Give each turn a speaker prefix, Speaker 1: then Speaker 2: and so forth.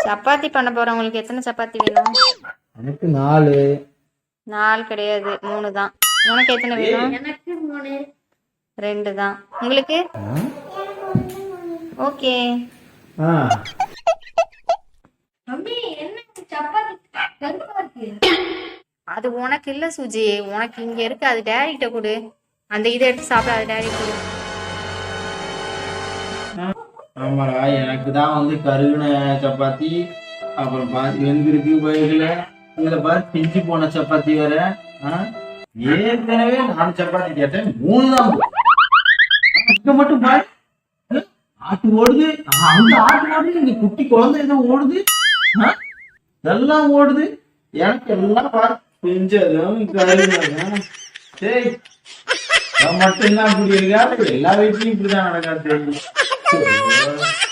Speaker 1: சப்பாத்தி பண்ண போறவங்களுக்கு எத்தனை சப்பாத்தி வேணும்?
Speaker 2: எனக்கு 4.
Speaker 1: 4 கிடையாது, 3 தான். உனக்கு எத்தனை வேணும்?
Speaker 3: எனக்கு 3.
Speaker 1: 2 தான். உங்களுக்கு? ஓகே.
Speaker 3: மம்மி என்ன சப்பாத்தி கருப்பா இருக்கு?
Speaker 1: அது உனக்கு இல்ல சுஜி, உனக்கு இங்க இருக்கு. அது டேடிட்ட கொடு. அந்த இதை எடுத்து சாப்பிட, அது டேடி கொடு.
Speaker 2: ஆமாடா, எனக்கு தான் வந்து கருகின சப்பாத்தி, அப்புறம் பாதி வெந்திருக்கு போயிடல. இதுல பாரு பிஞ்சு போன சப்பாத்தி வேற. ஏற்கனவே 4 சப்பாத்தி கேட்டேன், 3 தான். இங்க மட்டும் பாரு, ஆட்டு ஓடுது, அங்க ஆட்டு ஓடுது, இங்க குட்டி குழந்தை ஏதோ ஓடுது, எல்லாம் ஓடுது. எனக்கு எல்லாம் பாரு பிஞ்சதும் கருகினதும். சரி, மட்டும் தான் இப்படி இருக்கா? எல்லா வீட்லயும் இப்படிதான் நடக்காது.